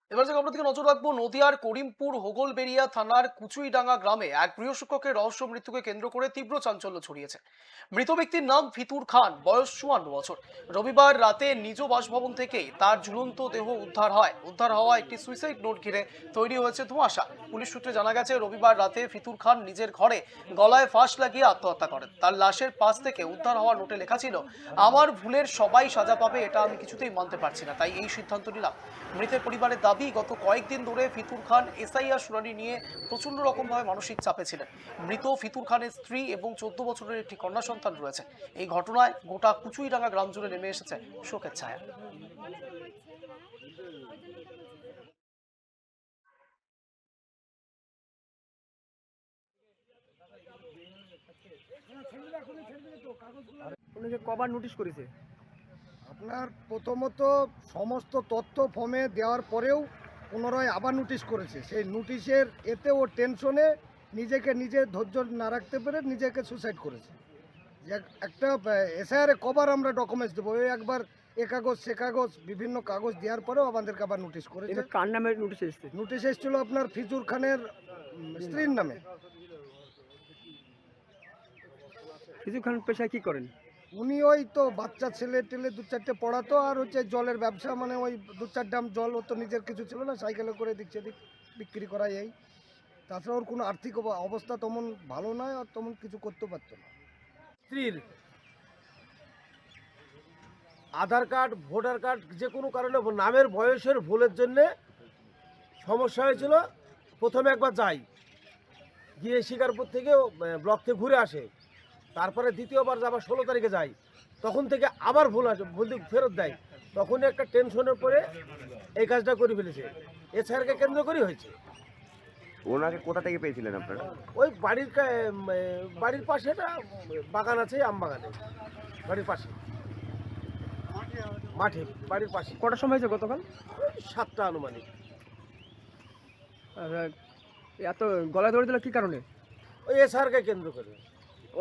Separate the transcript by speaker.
Speaker 1: এবার থেকে আমরা দিকে নজর রাখবো নদিয়ার করিমপুর হোগলবেড়িয়া থানার কুচুইডাঙ্গা গ্রামে এক গৃহশিক্ষকের রহস্য মৃত্যুকে কেন্দ্র করে তীব্র চাঞ্চল্য ছড়িয়েছে। মৃত ব্যক্তির নাম ফিতুর খান, বয়স 54 বছর। রবিবার রাতে নিজ বাসভবন থেকে তার ঝুলন্ত দেহ উদ্ধার হওয়া একটি সুইসাইড নোট ঘিরে তৈরি হয়েছে ধোঁয়াশা। পুলিশ সূত্রে জানা গেছে, রবিবার রাতে ফিতুর খান নিজের ঘরে গলায় ফাঁস লাগিয়ে আত্মহত্যা করেন। তার লাশের পাশ থেকে উদ্ধার হওয়া নোটে লেখা ছিল, আমার ভুলের সবাই সাজা পাবে, এটা আমি কিছুতেই মানতে পারছি না, তাই এই সিদ্ধান্ত নিলাম। মৃতের পরিবারের দাবি, গত কয়েকদিন ধরে ফিতুর খান এসআইআর শুনানি নিয়ে প্রচন্ড রকমভাবে মানসিক চাপে ছিলেন। মৃত ফিতুর খানের স্ত্রী এবং 14 বছরের একটি কন্যা সন্তান রয়েছে। এই ঘটনায় গোটা কুচুইডাঙ্গা গ্রাম জুড়ে নেমে এসেছে শোকের ছায়া।
Speaker 2: উনাকে কবার নোটিশ করেছে?
Speaker 3: আপনার প্রথমত সমস্ত তথ্য ফর্মে দেওয়ার পরেও পুনরায় আবার নোটিশ করেছে। সেই নোটিশের এতে ও টেনশনে নিজেকে নিজে ধৈর্য না রাখতে পেরে নিজেকে সুসাইড করেছে। একটা এসআইআরে কবার আমরা ডকুমেন্টস দেবো, ওই একবার এ কাগজ সে কাগজ বিভিন্ন কাগজ দেওয়ার পরেও আমাদেরকে আবার নোটিশ করেছে।
Speaker 2: এটা কার নামে নোটিশ এসেছে?
Speaker 3: নোটিশ এসেছিল আপনার ফিজুর খানের স্ত্রীর নামে।
Speaker 2: ফিজু খান পেশায় কি করেন?
Speaker 3: উনি ওই তো বাচ্চা ছেলে টেলে দু চারটে পড়াতো, আর হচ্ছে জলের ব্যবসা, মানে ওই 2-4 ড্রাম জল, ওর তো নিজের কিছু ছিল না, সাইকেলে করে দিক সেদিক বিক্রি করা। এই তাছাড়া ওর কোনো আর্থিক অবস্থা তেমন ভালো নয়, আর তেমন কিছু করতে পারতো না।
Speaker 4: স্ত্রীর আধার কার্ড, ভোটার কার্ড, যে কোনো কারণে নামের বয়সের ভুলের জন্যে সমস্যা হয়েছিল। প্রথমে একবার যাই, গিয়ে শিকারপুর থেকে ব্লক থেকে ঘুরে আসে। তারপরে দ্বিতীয়বার যাবার 16 তারিখে যাই, তখন থেকে আবার ভুল আসে, ভুল ফেরত দেয়। তখন একটা টেনশনের পরে এই কাজটা করে ফেলেছে। এছাড়াকে কেন্দ্র করে হয়েছে।
Speaker 5: ওনাকে কোথা থেকে পেয়েছিলেন আপনারা?
Speaker 4: ওই বাড়ির পাশে একটা বাগান আছে, আম বাগানে, বাড়ির পাশে মাঠে, বাড়ির পাশে।
Speaker 2: কটার সময় হয়েছে গতকাল?
Speaker 4: 7টা আনুমানিক।
Speaker 2: আর এত গলায় ধরে দিল কি কারণে?
Speaker 4: ওই এসআরকে কেন্দ্র করে।